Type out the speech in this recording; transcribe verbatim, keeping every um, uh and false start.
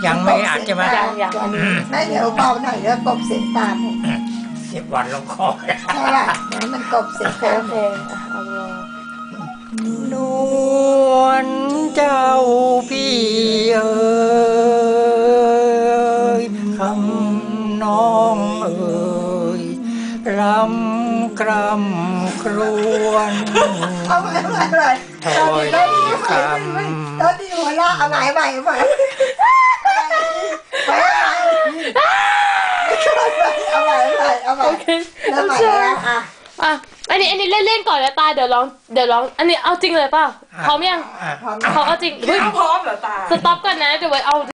ยังไม่อัดใช่ไหมยังยังไม่เดี๋ยวเบาหน่อยแล้วกบเสียงตามเสียบวันลงคอใช่ป่ะเดี๋ยวมันกบเสียงโอเคเอาลงนวลเจ้าพี่เอ๋ยคำน้องเอ๋ยลำกรำครวนเอาใหม่เอาใหม่เลยตอนนี้ตอนนี้ตอนนี้หัวเราะเอาใหม่ใหม่ใหม่ใหม่เอาใหม่เอาใหม่เอาใหม่โอเคเอาใหม่แล้วอ่ะอ่ะอันนี้อันนี้เล่นเล่นก่อนแล้วตาเดี๋ยวร้องเดี๋ยวร้องอันนี้เอาจริงเลยเปล่าพร้อมยังพร้อมเอาจริงพร้อมเหรอตาสต็อปก่อนนะเดี๋ยวไว้เอา